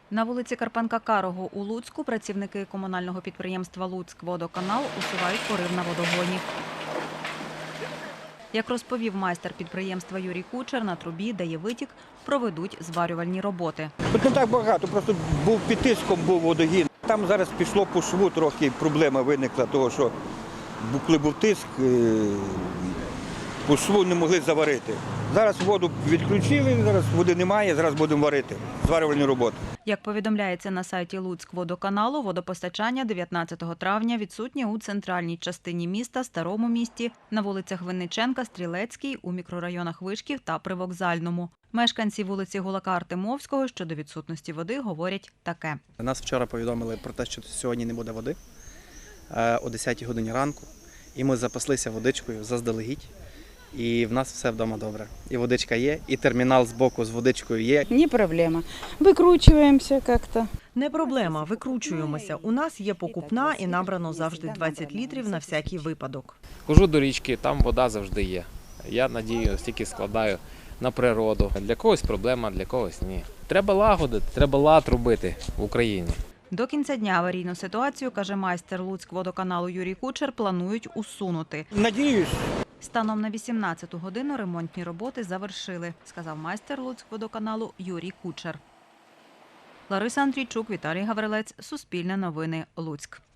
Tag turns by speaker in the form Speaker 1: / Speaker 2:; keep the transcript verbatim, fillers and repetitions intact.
Speaker 1: На вулиці Карпенка-Карого у Луцьку працівники комунального підприємства «Луцькводоканал» усувають порив на водогоні. Як розповів майстер підприємства Юрій Кучер, на трубі, де є витік, проведуть зварювальні роботи.
Speaker 2: Тут не так багато, просто був під тиском був водогін. Там зараз пішло по шву, трохи проблема виникла, того що коли був тиск, по шву не могли заварити. Зараз воду відключили, зараз води немає, зараз будемо варити, зварювальні роботи.
Speaker 1: Як повідомляється на сайті Луцькводоканалу, водопостачання дев'ятнадцятого травня відсутнє у центральній частині міста, Старому місті, на вулицях Винниченка, Стрілецькій, у мікрорайонах Вишків та Привокзальному. Мешканці вулиці Гулака-Артемовського щодо відсутності води говорять таке.
Speaker 3: Нас вчора повідомили про те, що сьогодні не буде води о десятій годині ранку. І ми запаслися водичкою заздалегідь. І в нас все вдома добре. І водичка є, і термінал з боку з водичкою є.
Speaker 4: Не проблема. Викручуємося як-то.
Speaker 5: Не проблема, викручуємося. У нас є покупна і набрано завжди двадцять літрів на всякий випадок.
Speaker 6: Хожу до річки, там вода завжди є. Я надію, стільки складаю на природу. Для когось проблема, для когось ні. Треба лагодити, треба лад робити в Україні.
Speaker 1: До кінця дня аварійну ситуацію, каже майстер Луцькводоканалу Юрій Кучер, планують усунути.
Speaker 2: Надіюсь.
Speaker 1: Станом на вісімнадцяту годину ремонтні роботи завершили, сказав майстер Луцькводоканалу Юрій Кучер. Лариса Андрійчук, Віталій Гаврилець, Суспільне новини, Луцьк.